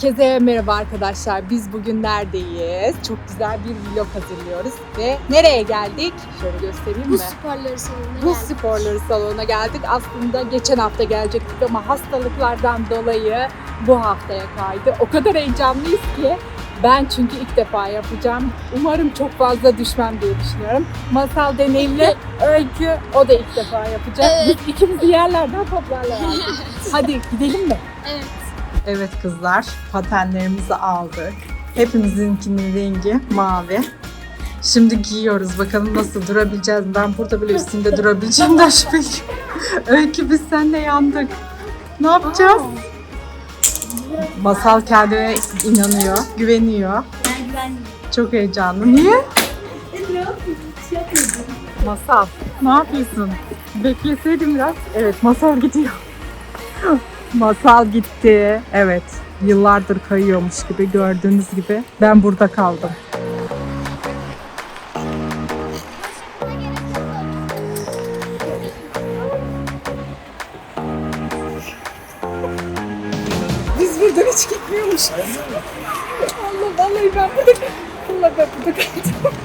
Herkese merhaba arkadaşlar. Biz bugün neredeyiz? Çok güzel bir vlog hazırlıyoruz ve nereye geldik? Şöyle göstereyim mi? Buz sporları salonuna Buz geldik. sporları salonuna geldik. Aslında geçen hafta gelecektik ama hastalıklardan dolayı bu haftaya kaydı. O kadar heyecanlıyız ki ben çünkü ilk defa yapacağım. Umarım çok fazla düşmem diye düşünüyorum. Masal deneyimli Öykü, o da ilk defa yapacak. Evet. Biz ikimizi yerlerden toplarlar artık. Hadi gidelim mi? Evet. Evet kızlar, patenlerimizi aldık. Hepimizinkinin rengi mavi. Şimdi giyiyoruz. Bakalım nasıl durabileceğiz. Ben burada bile üstünde durabileceğimden şüpheliyim. Öykü biz seninle yandık. Ne yapacağız? Masal kendine inanıyor, güveniyor. Ben güvenliyim. Çok heyecanlı. Niye? Masal, ne yapıyorsun? Bekleseydin biraz. Evet, Masal gidiyor. Masal gitti. Evet, yıllardır kayıyormuş gibi gördüğünüz gibi. Ben burada kaldım. Biz buradan hiç gitmiyormuşuz. Allah vallahi ben burada kaldım.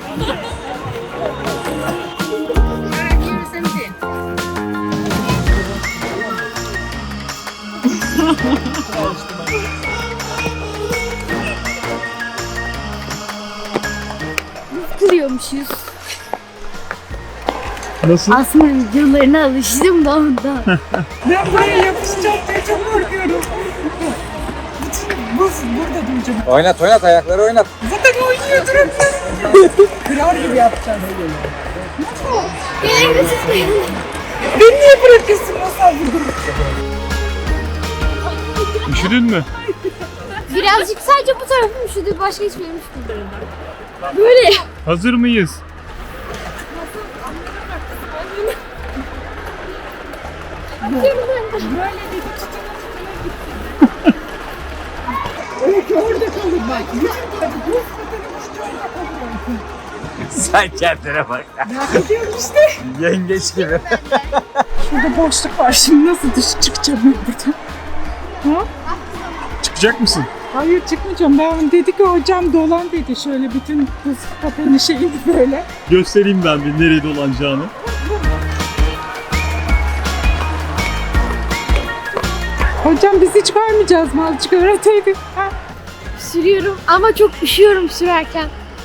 Kılıyormuşuz. Nasıl? Aslında videolarına alıştım da ondan. Ben buraya yapışacağım diye çok korkuyorum. Buz burada duracağım. Oynat oynat ayakları oynat. Zaten oynuyor durup. Kırar gibi yapacağız. Gelin siz. Beni niye bırakıyorsun Masal burada? Üşüdün mü? Birazcık sadece bu tarafım üşüdü. Başka hiçbir yerim üşüdü. Böyle. Hazır mıyız? Öykü orada kalır bak. Bütün buz Sen kendine bak. merak ediyorum işte. Yengeç gibi. Şurada boşluk var. Şimdi nasıl dışarı çıkacağım ben buradan? Ha? Çıkacak mısın? Hayır çıkmayacağım. Ben dedi ki hocam dolan dedi. Şöyle bütün buz pateni şeyini böyle. Göstereyim ben bir nereye dolanacağını. Hocam biz hiç kaymayacağız mı? Azıcık öğreteydik. Ha? Sürüyorum ama çok üşüyorum sürerken.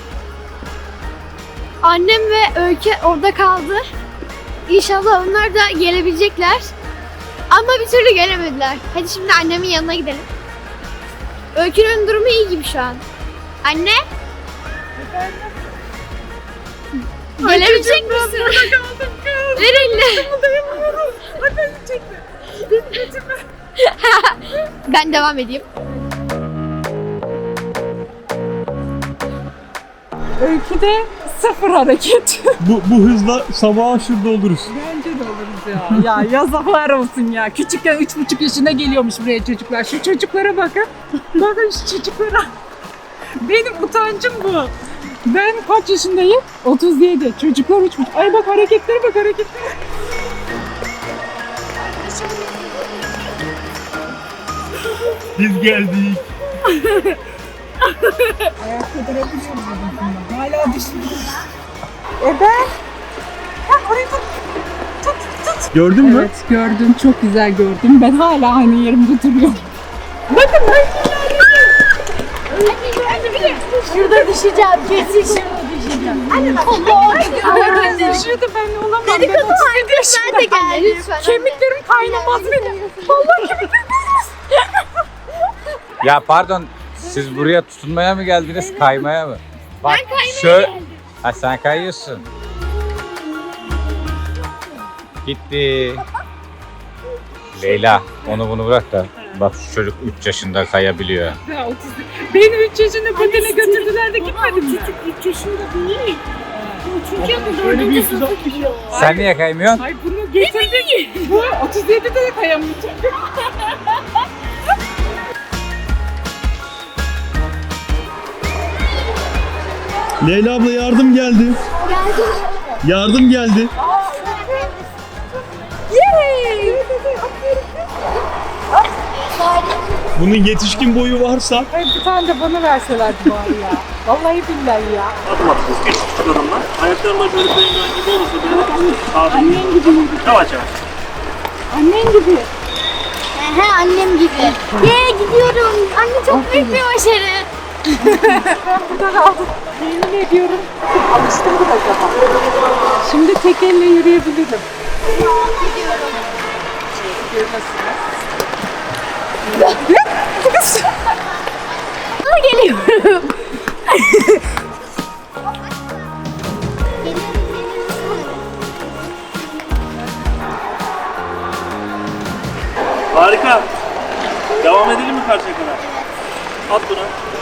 Annem ve Öykü orada kaldı. İnşallah onlar da gelebilecekler. Ama bir türlü gelemediler. Hadi şimdi annemin yanına gidelim. Öykü'nün durumu iyi gibi şu an. Anne? Gelebilecek misin? Kaldım kız. Ver elini. Kımıldayamıyorum. Hadi çekme. Ben devam edeyim. Öyküde sıfır hareket. Bu hızla sabaha şurada oluruz. Bence de oluruz ya. Ya yazıklar olsun ya. Küçükken 3,5 yaşına geliyormuş buraya çocuklar. Şu çocuklara bakın. Bakın şu çocuklara. Benim utancım bu. Ben kaç yaşındayım? 37. Çocuklar 3,5. Ay bak hareketlere bak hareketlere. Biz geldik. Ayakta durabiliyor muyum? Hala düşünüyorum. Ben? Ha orayı tut. Gördün mü? Evet gördüm. Çok güzel gördüm. Ben hala aynı yerimde duruyorum. Bakın Şurada düşeceğim. Kesin şurada düşeceğim. ben düşüyordu ben olamam. Ben 37 yaşındayım. Ben de gel lütfen. Kemiklerim kaynamaz benim. Vallahi kemiklerim. Ya pardon siz buraya tutunmaya mı geldiniz kaymaya mı? Bak, Ben kaymaya geldim. Ha sen kayıyorsun. Gitti. Leyla onu bunu bırak da bak şu çocuk 3 yaşında kayabiliyor. Ya 30. Beni 3 yaşında patene götürdüler de gitmedim mi? 3 yaşında değil. Çünkü bu Öyle 4. bir sınıfa gidiyor. Sen niye kaymıyorsun? Ay bunu getirdik. Bu 37'de de kayamayacak. Leyla abla yardım geldi. Geldim. Yardım geldi. Yay! Bunun yetişkin boyu varsa Ay, bir tane de bana verselerdi bari ya. Vallahi billahi ya. Adım atacağız. Küçük adımlar. Ayaklarına böyle penguen gibi olursa böyle sağda. Annen gibi. Yavaş yavaş. Annen gibi. He annem gibi. Gidiyorum. Anne çok büyük bir başarı. Ben burada kaldım. Yemin ediyorum. Alıştım mı acaba? Şimdi tek elle yürüyebilirim. Gidiyorum. Geliyorum. Harika. Devam edelim mi karşıya kadar? At bunu.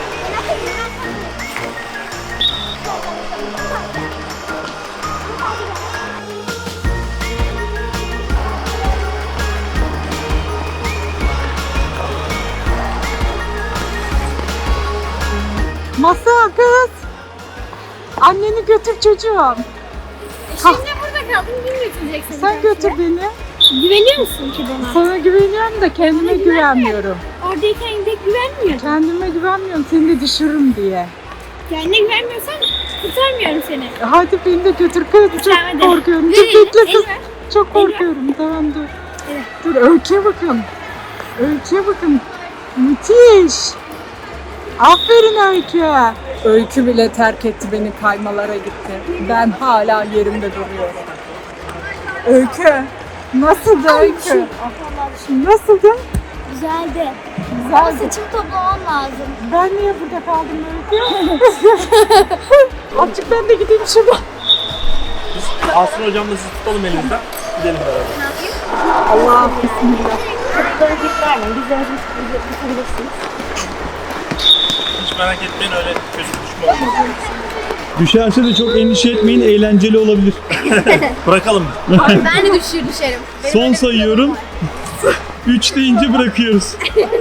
Masal kız. Anneni götür çocuğum. Şimdi burada kaldım. Kim götürecek seni? Sen götür beni. Güveniyor musun ki bana? Sana güveniyorum da kendime Bana güvenmiyorum. Oradayken de güvenmiyorum. Kendime güvenmiyorum seni de düşürürüm diye. Kendine güvenmiyorsan kurtarmıyorum seni. Hadi beni de götür kız. Çok Tamam, hadi. korkuyorum. Ver Çok elini, bekle kız. el ver. Çok El ver. korkuyorum. Tamam dur. Evet. Dur öyküye bakın. Öyküye bakın. Müthiş. Aferin Öykü. Öykü bile terk etti beni, kaymalara gitti. Ben hala yerimde duruyorum. Öykü. Nasıldı Öykü? Nasıldı? Güzeldi. Ama Güzeldi. saçımı toplamam lazım. Ben niye burada kaldım Öykü? Azıcık ben de gideyim şuradan. Aslı hocamla sizi tutalım elimizden. Gidelim beraber. Allah bismillah. Hiç merak etmeyin öyle çocuk düşme olmaz. düşerse de çok endişe etmeyin, eğlenceli olabilir. Bırakalım. Ben de düşerim. Son sayıyorum. 3 deyince bırakıyoruz.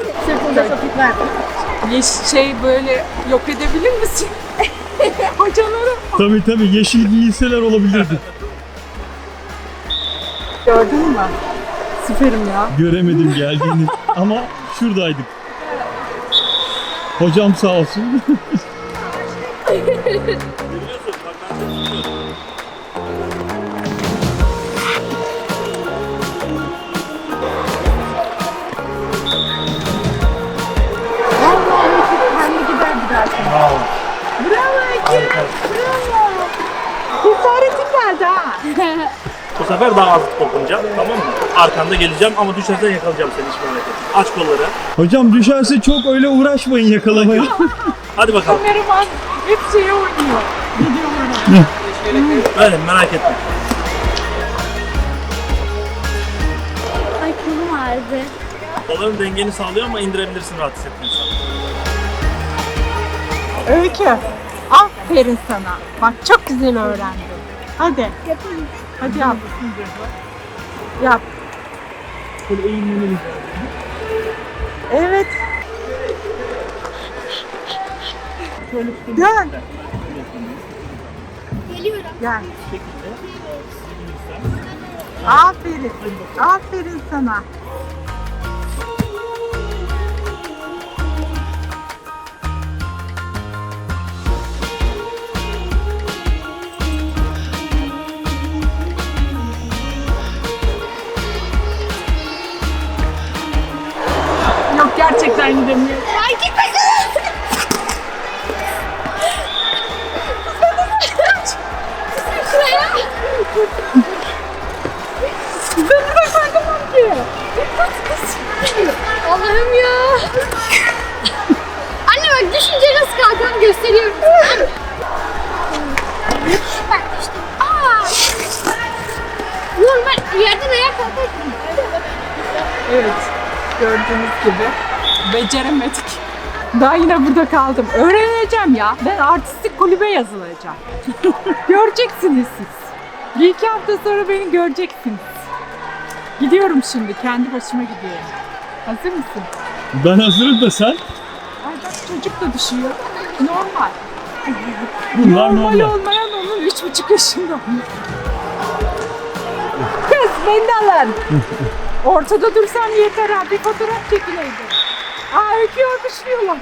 Şey böyle yok edebilir misin? Hocaları. Tabii yeşil giyilseler olabilirdi. Gördün mü? Süperim ya. Göremedim geldiğini ama şuradaydık. Hocam sağ olsun. Kendi gider gidersin. Bravo. Bravo Eki. Bravo. Cesaretin geldi ha. Bu sefer daha az dokunacağım, tamam mı? Arkanda geleceğim ama düşersen yakalayacağım seni, hiç merak etme. Aç kolları. Hocam düşerse çok öyle uğraşmayın yakalamaya. Hadi bakalım. Kameraman hep şeye oynuyor. Videolara. Öyle merak etme. Ay kolum ağrıdı. Kolların dengeni sağlıyor ama indirebilirsin rahat hissetmiyorsan. Öykü. Aferin sana. Bak çok güzel öğrendin. Hadi. Yapayım. Hadi yap. Yap. Böyle eğilmeni Evet. Dön. Geliyorum. Gel. Aferin. Aferin sana. Yok gerçekten gidemiyorum. Ay gitmesin. Şuraya. Ben de kalkamam ki. Allah'ım ya. Anne bak düşünce nasıl kalkan gösteriyorum. Bak işte. Normal yerden ayağa kalkarsın. Evet. Gördüğünüz gibi beceremedik. Daha yine burada kaldım. Öğreneceğim ya. Ben artistik kulübe yazılacağım. Göreceksiniz siz. Bir iki hafta sonra beni göreceksiniz. Gidiyorum şimdi. Kendi başıma gidiyorum. Hazır mısın? Ben hazırım da sen. Ay bak çocuk da düşüyor. Normal. Bunlar normal. olmayan onun 3,5 yaşında. Kız beni de alın. Ortada dursam yeter ha. Bir fotoğraf çekileydim. Aa Öykü'yü alkışlıyorlar.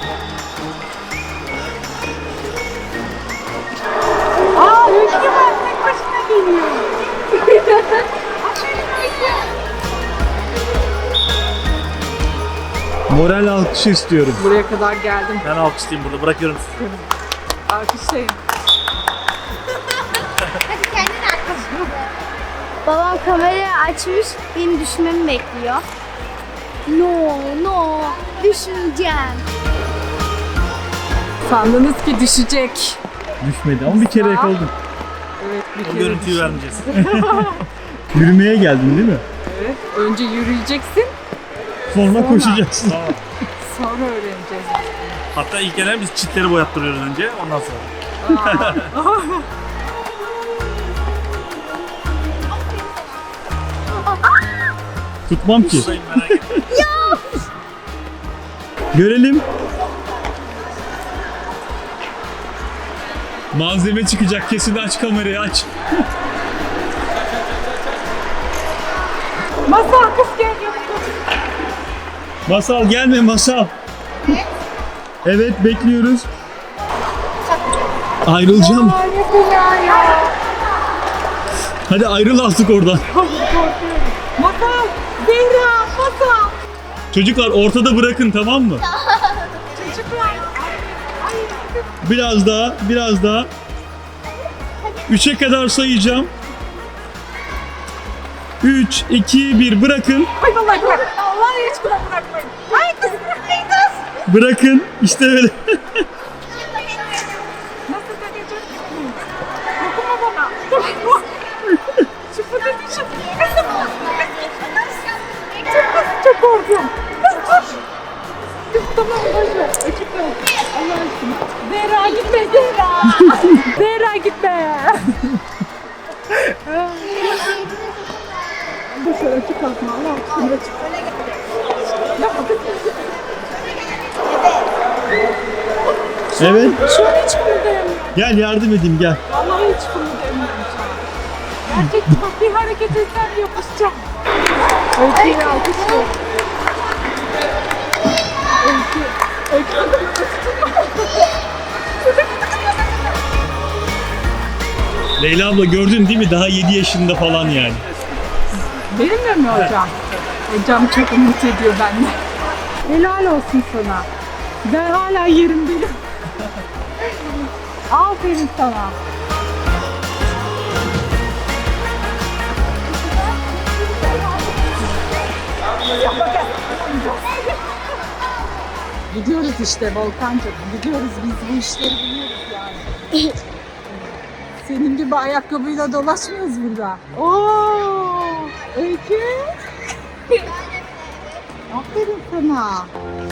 Aa Öykü var. Tek başına geliyor. Aferin Öykü. Moral alkışı istiyorum. Buraya kadar geldim. Ben alkışlayayım burada. Bırakıyorum sizi. Alkışlayın. Hadi kendin arkadaşım. Babam kamerayı açmış, beni düşmemi bekliyor. No, düşmeyeceğim. Sandınız ki düşecek. Düşmedi ama bir kere yakaladım. Evet bir O kere görüntüyü düştü. vermeyeceğiz. Yürümeye geldin değil mi? Evet. Önce yürüyeceksin. Sonra koşacaksın. Tamam. Sonra öğreneceğiz. Hatta ilk gelen biz çitleri boyattırıyoruz önce. Ondan sonra. Tutmam ki. Sayın merak etmeyin. Görelim. Malzeme çıkacak, kesin aç kamerayı aç. Masal kız geliyor. Masal gelme Masal. Evet bekliyoruz. Ayrılacağım. Hadi ayrıl artık oradan. Masal, Zehra, Masal. Çocuklar ortada bırakın, tamam mı? Çocuklar. Biraz daha, biraz daha. 3'e kadar sayacağım. 3, 2, 1 bırakın. Ay vallahi bırak. Vallahi hiç bırakmayın. Ay kız bırakmayın kız. Bırakın. İşte böyle. Nasıl deneyecek? Dokunma bana. Dokunma. Şu fıtığı düşün. Kızım. Çok korkuyorum. Kız dur. Kız tamam boşver. Açıkla. Allah aşkına. Zehra gitme Zehra. Zehra gitme. Boşver açık kalkma. Allah aşkına açık. Yapma kız. Evet. Şu an hiç kımıldayamıyorum. Gel yardım edeyim gel. Vallahi hiç kımıldayamıyorum şu an. Gerçekten bak bir hareket etsem yapışacağım. Öykü'yü alkışlıyor. Öykü. Leyla abla gördün değil mi? Daha 7 yaşında falan yani. Benimle mi hocam? Hocam çok umut ediyor benden. Helal olsun sana. Ben hala yerimdeyim. Aferin sana. Gidiyoruz işte Volkancığım. Gidiyoruz biz bu işleri biliyoruz yani. Senin gibi ayakkabıyla dolaşmıyoruz burada. Oo, Öykü. Aferin sana.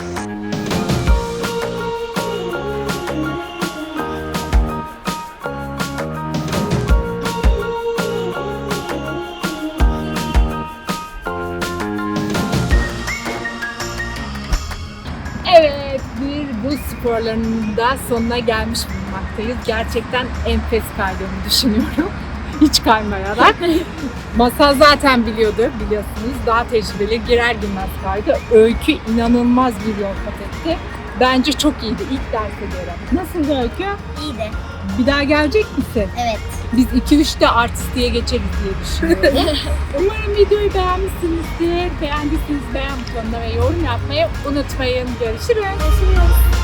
Evet, bir buz sporlarının da sonuna gelmiş bulunmaktayız. Gerçekten enfes kaydığımı düşünüyorum. Hiç kaymayarak. Masal zaten biliyordu, biliyorsunuz. Daha tecrübeli, girer girmez kaydı. Öykü inanılmaz bir yol kat etti. Bence çok iyiydi ilk derse göre. Nasıldı Öykü? İyiydi. Bir daha gelecek misin? Evet. Biz 2-3'te artistliğe geçeriz diye düşünüyorum. Umarım videoyu beğenmişsinizdir. Beğendiyseniz beğen butonuna ve yorum yapmayı unutmayın. Görüşürüz. Görüşürüz.